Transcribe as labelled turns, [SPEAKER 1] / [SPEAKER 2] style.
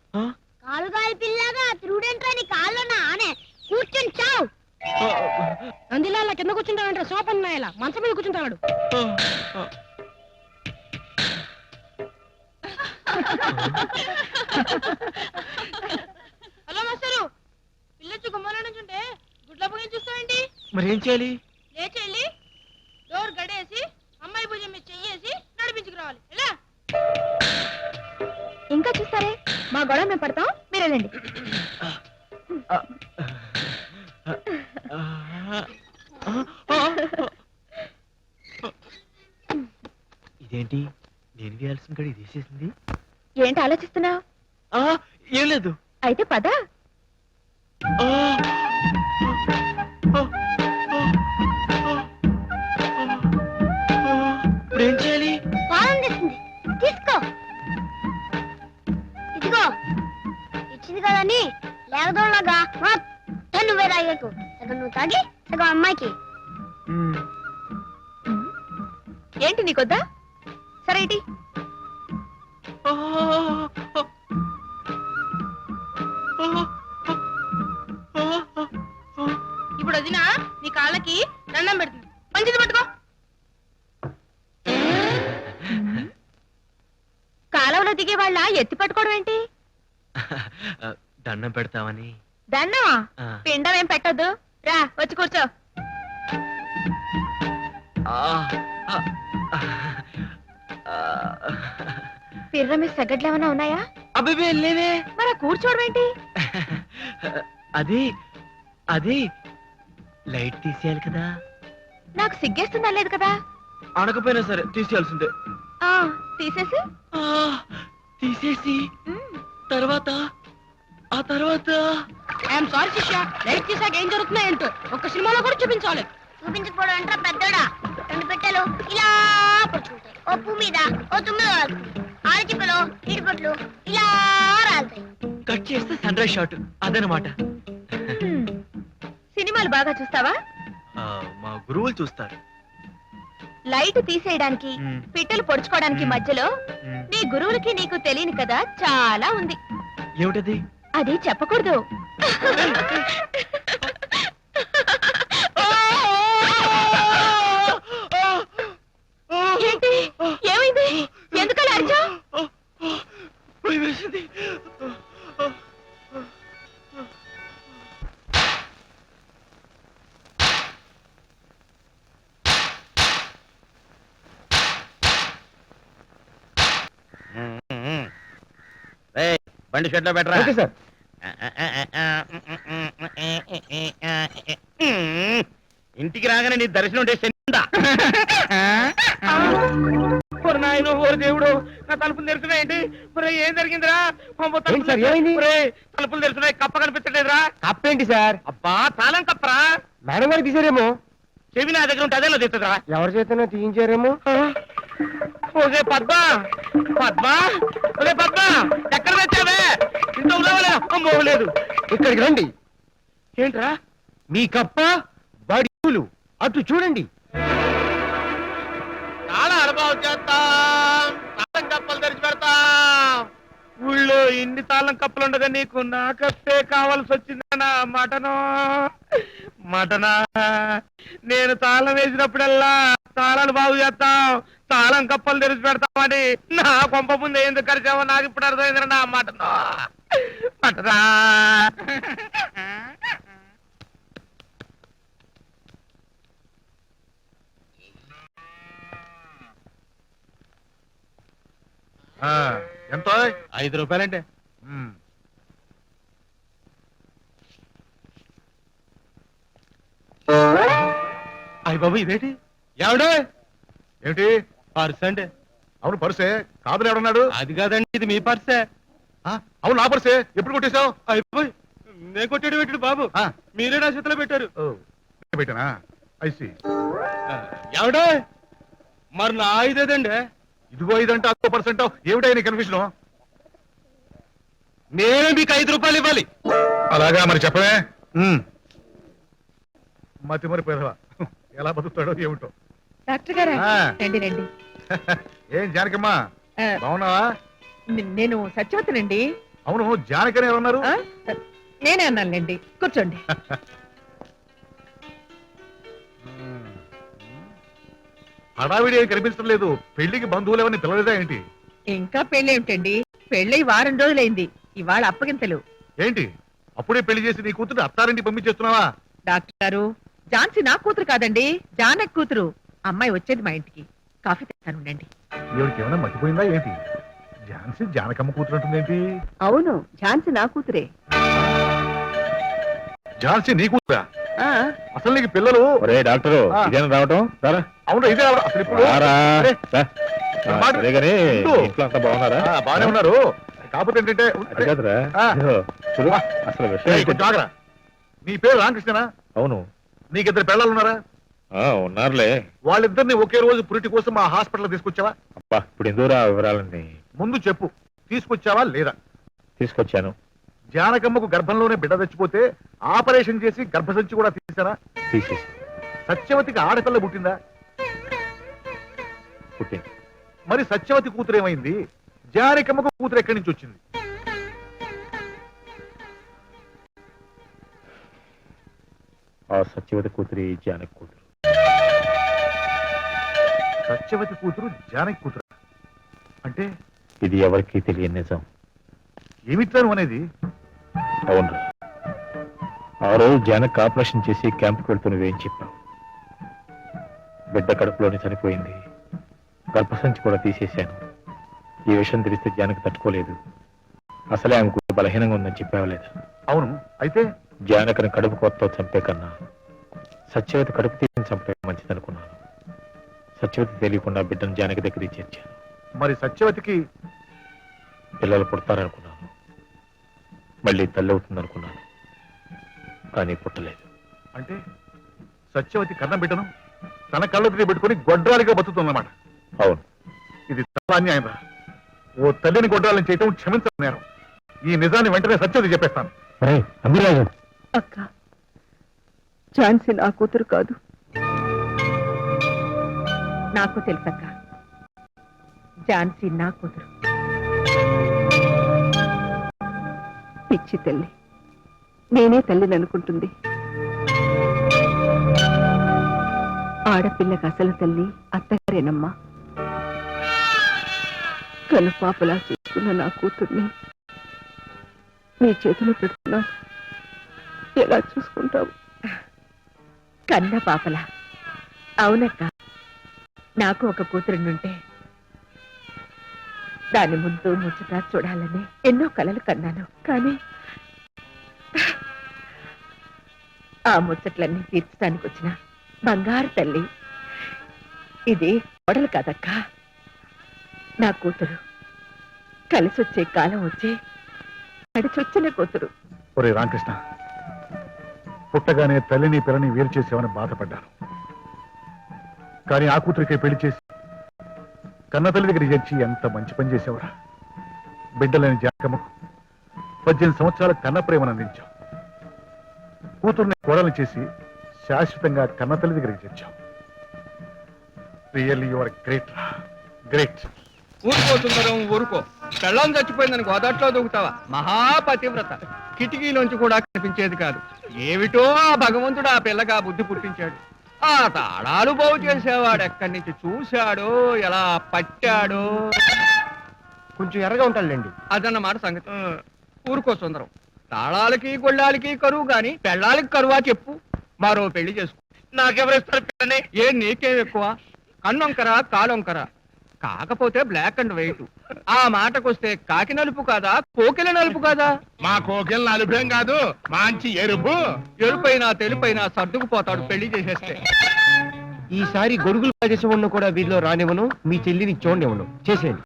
[SPEAKER 1] కాలుగాలి పిల్లగా తిరుగుడేంట్రా నీ కాళ్ళున్నా ఆనే కూర్చొని చావు.
[SPEAKER 2] అందులో అలా కింద కూర్చుంటాడంటే సోపన్ నాయలా మంచం మీద కూర్చుంటాడు.
[SPEAKER 3] హలో మాస్టరు, పిల్లొచ్చి గుమ్మలో నుంచుంటే గుడ్ల పొగి చూస్తావేంటి?
[SPEAKER 4] మరి ఏం చేయాలి?
[SPEAKER 3] లేచి వెళ్ళి డోర్ గడేసి అమ్మాయి భుజం మీద చెయ్యేసి నడిపించుకురావాలి. ఎలా?
[SPEAKER 1] ఇంకా చూస్తారే, మా గొడవ మేము పడతాం, మీరు వెళ్ళండి.
[SPEAKER 4] ఇదేంటి నేను వేయాల్సిన కడి తీసేసింది?
[SPEAKER 1] ఏంటి ఆలోచిస్తున్నావు?
[SPEAKER 4] ఏం లేదు.
[SPEAKER 1] అయితే పద.
[SPEAKER 4] ఇప్పుడు ఏం చేయాలి?
[SPEAKER 1] బాగుంది, తీసుకో. ఇదిగో ఇచ్చింది కదని లేకదోళ్ళగా మొత్తం నువ్వే తాగేకు. సగం నువ్వు తాగి సగం అమ్మాయికి. ఏంటి నీకొద్దా? సరే ఇటీ.
[SPEAKER 3] ఇప్పుడు వదినా నీ కాళ్ళకి దండం పెడుతుంది. మంచిది పట్టుకో.
[SPEAKER 1] కాలంలో దిగే వాళ్ళ ఎత్తి పట్టుకోవడం ఏంటి?
[SPEAKER 4] దండం పెడతామని.
[SPEAKER 1] దండమా? పిండం ఏం పెట్టద్దు, రా వచ్చి కూర్చో. పిర్ర మీద సగడ్లు ఏమైనా ఉన్నాయా?
[SPEAKER 4] అబ్బే లేవే.
[SPEAKER 1] మరి కూర్చోవడం ఏంటి?
[SPEAKER 4] అది అది లైట్ తీసేయాలి కదా.
[SPEAKER 1] నాకు సిగ్గేస్తుందా లేదు కదా?
[SPEAKER 4] అనకపోయినా సరే తీసేయాల్సిందే.
[SPEAKER 1] తీసేసి
[SPEAKER 4] తీసేసి తర్వాత ఆ తర్వాత
[SPEAKER 2] ఐఎమ్ సారీ శిష్య, లైట్ తీసాక ఏం జరుగుతుందో ఏంటో ఒక్క సినిమాలో కూడా చూపించాలి.
[SPEAKER 1] చూపించకపోవడం అంటే పెద్దోడా. 2 పెట్టెలు ఇలా పడుకుంటాయి, ఓ పువ్వు మీద ఓ తుమ్మిద ఆడచిప్పలు ఇడిపట్లు ఇలా రాలుతాయి.
[SPEAKER 4] కట్ చేస్తే సన్ రైజ్ షాట్ అదనమాట.
[SPEAKER 1] సినిమాలు బాగా చూస్తావా?
[SPEAKER 4] మా గురువులు చూస్తారు.
[SPEAKER 1] లైట్ తీసేయడానికి పిట్టలు పొడుచుకోవడానికి మధ్యలో నీ గురువులకి నీకు తెలియని కదా చాలా ఉంది.
[SPEAKER 4] ఏమిటది?
[SPEAKER 1] అది చెప్పకూడదు. ఏంటి, ఏమైంది? ఎందుకలా అరిచావ్?
[SPEAKER 5] బండి షెడ్ లో పెట్టరా.
[SPEAKER 4] సార్.
[SPEAKER 5] ఇంటికి రాగానే నీ దర్శనం నాయన ఓరు దేవుడు, నా తలుపులు తెరుచున్నాయండి. ఏం జరిగిందిరా? తలుపులు తెరుచున్నాయి, కప్ప కనిపించలేదురా.
[SPEAKER 4] కప్పేంటి సార్?
[SPEAKER 5] అబ్బా తాళం కప్పరా.
[SPEAKER 4] మేడం గారు తీసారేమో.
[SPEAKER 5] చెవి నా దగ్గర ఉంటే అదేలో తెస్తుందిరా.
[SPEAKER 4] ఎవరి చేతనో తీయించారేమో.
[SPEAKER 5] ఓకే పద్మ, పద్మ, ఒరే పద్మ, ఎక్కడ తెచ్చావే? ఇంత ఉండవలే. అమ్మో లేదు.
[SPEAKER 4] ఇక్కడికి రండి.
[SPEAKER 5] ఏంట్రా?
[SPEAKER 4] మీ కప్ప బడిలు అటు చూడండి.
[SPEAKER 5] చాలా అనుభవం చేస్తాం, తాళం కప్పలు తెరిచి పెడతాం. ఊళ్ళో ఇన్ని తాళం కప్పలు ఉండగా నీకు నా కప్పే కావాల్సి వచ్చిందనా? మటనా నేను తాళం వేసినప్పుడల్లా తాళాలు బాగు చేస్తాం, తాళం కప్పలు తెరిచి పెడతామని నా కొంప ముందు ఎందుకు కరిచావో నాకు ఇప్పుడు అర్థమైందిరా. నా మటనా
[SPEAKER 6] ఎంతో?
[SPEAKER 5] 5 రూపాయలంటే. అయ్య బాబు ఇదేంటి? ఎవడే?
[SPEAKER 6] ఏమిటి
[SPEAKER 5] పర్స్ అంటే?
[SPEAKER 6] అవును పర్సే. కాదులు ఎవడన్నాడు?
[SPEAKER 5] అది కాదండి, ఇది మీ పర్సే.
[SPEAKER 6] అవును నా పర్సే. ఎప్పుడు కొట్టేశావు?
[SPEAKER 5] అయిపోయి నేను కొట్టాడు పెట్టాడు బాబు, మీరే నా చేతిలో పెట్టారు.
[SPEAKER 6] పెట్టానా? ఐసి.
[SPEAKER 5] ఎవడే? మరి నా ఇదేదండి.
[SPEAKER 6] ఇదిగో ఇదంటే 100%. ఏమిటా నీ కన్ఫ్యూజన్?
[SPEAKER 5] నేను మీకు 5 రూపాయలు ఇవ్వాలి.
[SPEAKER 6] అలాగా మరి చెప్పవే. మతి మరి పెదవా ఎలా బతుకుతాడో ఏమిటో.
[SPEAKER 7] డాక్టర్ గారా, రండి రండి.
[SPEAKER 6] ఏం జానకమ్మా బాగున్నావా?
[SPEAKER 7] నేను సత్యవతనండి.
[SPEAKER 6] అవును జానకని ఎవరన్నారు?
[SPEAKER 7] ఆ? నేనే అన్నానులేండి, కూర్చోండి.
[SPEAKER 6] హడావిడి ఏమీ కనిపించడం లేదు. పెళ్లికి బంధువులు ఎవరిని పిలవలేదా ఏంటి?
[SPEAKER 7] ఇంకా పెళ్లి ఏమిటండి, పెళ్ళై వారం రోజులైంది. ఇవాళ అప్పగింతలు.
[SPEAKER 6] ఏంటి అప్పుడే పెళ్లి చేసి నీ కూతురు అత్తారింటి పంపించేస్తున్నావా?
[SPEAKER 7] డాక్టర్ గారు, ఝాన్సీ నా కూతురు కాదండి, జానక్ కూతురు. అమ్మాయి వచ్చేది మా ఇంటికి. కాఫీ తెస్తానుండండి.
[SPEAKER 6] ఎవరికి ఏమైనా మర్చిపోయిందా ఏంటి? ఝాన్సీ జానకమ్మ కూతురు అంటుందేంటి?
[SPEAKER 7] అవును, ఝాన్సీ నా కూతురే.
[SPEAKER 6] ఝాన్సీ నీ కూతురా?
[SPEAKER 7] ఆ,
[SPEAKER 6] అసలు నీకు పిల్లలు?
[SPEAKER 4] ఒరే డాక్టరు,
[SPEAKER 6] ఆ.
[SPEAKER 4] ఇదేనా రావటం? రారా.
[SPEAKER 6] అవును ఇదే అసలు ఇప్పుడు
[SPEAKER 4] రారా.
[SPEAKER 6] అరే,
[SPEAKER 4] రా.
[SPEAKER 6] మాట-
[SPEAKER 4] సరే గానీ,
[SPEAKER 6] ఉండు.
[SPEAKER 4] ఇంట్లో అంతా బాగున్నారా?
[SPEAKER 6] బానే ఉన్నారు. కాకపోతే ఏంటంటే
[SPEAKER 4] అది కాదురా.
[SPEAKER 6] ఆ.
[SPEAKER 4] ఇదిగో, చూడు, అసలు విషయం
[SPEAKER 6] ఏయ్, కొంచెం ఆగరా. నీ పేరు రామకృష్ణనా?
[SPEAKER 4] అవును.
[SPEAKER 6] నీకిద్దరు పిల్లలు ఉన్నారా?
[SPEAKER 4] ఉన్నారులే.
[SPEAKER 6] వాళ్ళిద్దరిని ఒకే రోజు పురిటి కోసం మా హాస్పిటల్ తీసుకొచ్చావా?
[SPEAKER 4] అబ్బా, ఇప్పుడు ఎందుకురా వివరాలన్నీ?
[SPEAKER 6] ముందు చెప్పు, తీసుకొచ్చావా లేదా?
[SPEAKER 4] తీసుకొచ్చాను.
[SPEAKER 6] జానకమ్మకు గర్భంలోనే బిడ్డ తెచ్చిపోతే ఆపరేషన్ చేసి గర్భసంచి కూడా తీసారా?
[SPEAKER 4] తీసేసి
[SPEAKER 6] సత్యవతికి ఆడపిల్ల పుట్టిందా?
[SPEAKER 4] పుట్టింది.
[SPEAKER 6] మరి సత్యవతి కూతురు ఏమైంది? జానకమ్మకు కూతురు ఎక్కడి నుంచి వచ్చింది?
[SPEAKER 4] ఆ సత్యవతి కూతురి జానకి కూతురు.
[SPEAKER 6] సత్యవతి కూతురు జానకి కూతురు అంటే
[SPEAKER 4] ఇది ఎవరికీ తెలియని నిజం.
[SPEAKER 6] ఏమిట్టాను అనేది?
[SPEAKER 4] అవును. ఆ రోజు జానక్ ఆపరేషన్ చేసి క్యాంప్కి వెళ్తూ నువ్వేం చెప్పావు? బిడ్డ కడుపులోనే చనిపోయింది, గర్భసంచి కూడా తీసేశాను. ఈ విషయం తెలిస్తే జానకి తట్టుకోలేదు. అసలే ఆమెకు బలహీనంగా ఉందని చెప్పావలేదు.
[SPEAKER 6] అవును, అయితే
[SPEAKER 4] జానకని కడుపు కొత్తతో చంపే కన్నా సత్యవతి కడుపు తీసి చంపడం మంచిదనుకున్నాను. సత్యవతి తెలియకుండా బిడ్డను జానకి దగ్గరికి చేర్చాను.
[SPEAKER 6] మరి సత్యవతికి
[SPEAKER 4] పిల్లలు పుడతారనుకున్నాను, మళ్ళీ తల్లి అవుతుందనుకున్నాను, కానీ పుట్టలేదు.
[SPEAKER 6] అంటే సత్యవతి కన్న బిడ్డను తన కళ్ళకి పెట్టుకుని గొడ్రాలిగా బతుకుతుందన్నమాట.
[SPEAKER 4] అవును.
[SPEAKER 6] ఇది చాలా అన్యాయం రా. ఓ తల్లిని గొడ్రాలని చేయటం క్షమించడం నేరం. ఈ నిజాన్ని వెంటనే సత్యవతి చెప్పేస్తాను.
[SPEAKER 4] అమ్మిరాజు,
[SPEAKER 7] అక్క, ఝాన్సీ నా కూతురు కాదు. నాకు తెలుసక్క, ఝాన్సీ నా కూతురు. పిచ్చి తల్లి, నేనే తల్లిని అనుకుంటుంది. ఆడపిల్లకి అసలు తల్లి అత్తగారేనమ్మా. కనుపాపలా చూసుకున్న నా కూతుర్ని నీ చేతిలో పెడుతున్నా, ఎలా చూసుకుంటావు? కన్న పాపలా? అవునక్క, నాకు ఒక కూతురుంటే దాని ముందు ముచ్చట చూడాలని ఎన్నో కలలు కన్నాను. కానీ ఆ ముచ్చట్లన్నీ తీర్చడానికి వచ్చిన బంగారు తల్లి ఇది కోడలు కాదక్క, నా కూతురు. కలిసొచ్చే కాలం వచ్చే నడిచొచ్చిన కూతురు.
[SPEAKER 6] ఒరే రామకృష్ణ, పుట్టగానే తల్లిని పిల్లని వేరు చేసేవని బాధపడ్డాను. కానీ ఆ కూతురికే పెళ్లి చేసి కన్న తల్లి దగ్గర చేర్చి ఎంత మంచి పని చేసేవరా. బిడ్డలేని జానకమ్మకు 18 సంవత్సరాల కన్న ప్రేమను అందించావు. కూతుర్ని కోడలు చేసి శాశ్వతంగా కన్న తల్లి దగ్గరికి చేర్చావు. రియల్లీ యు ఆర్ గ్రేట్ రా, గ్రేట్.
[SPEAKER 5] ఊరుకోతుందరం ఊరుకో. పెళ్ళం చచ్చిపోయిందని గోదాట్లో దూకుతావా? మహాపతివ్రత. కిటికీలోంచి కూడా కనిపించేది కాదు. ఏమిటో ఆ భగవంతుడు ఆ పిల్లగా బుద్ధి పుట్టించాడు. ఆ తాళాలు బాగు చేసేవాడు ఎక్కడి నుంచి చూశాడో, ఎలా పట్టాడో. కొంచెం ఎర్రగా ఉంటాడులేండి. అదన్నమాట సంగతి. ఊరుకో సుందరం. తాళాలకి గొళ్ళాలకి కరువు గాని పెళ్ళాలకి కరువా చెప్పు? మరో పెళ్లి చేసుకో. నాకెవరిస్తారు పిల్లని? ఏ నీకేం ఎక్కువ? కన్నొంకరా కాలొంకరా? కాకపోతే బ్లాక్ అండ్ వైట్. ఆ మాటకొస్తే కాకి నలుపు కాదా, కోకిల నలుపు కాదా?
[SPEAKER 6] మా కోకిల నలుపేం కాదు, మంచి ఎరుపు.
[SPEAKER 5] ఎరుపైనా తెలుపైనా సర్దుకుపోతాడు పెళ్లి చేసేస్తే.
[SPEAKER 8] ఈసారి గొడుగులు ప్రదేశం ఉన్న కూడా వీధిలో రానివ్వను, మీ చెల్లిని చూడనివ్వను. చేసేయండి.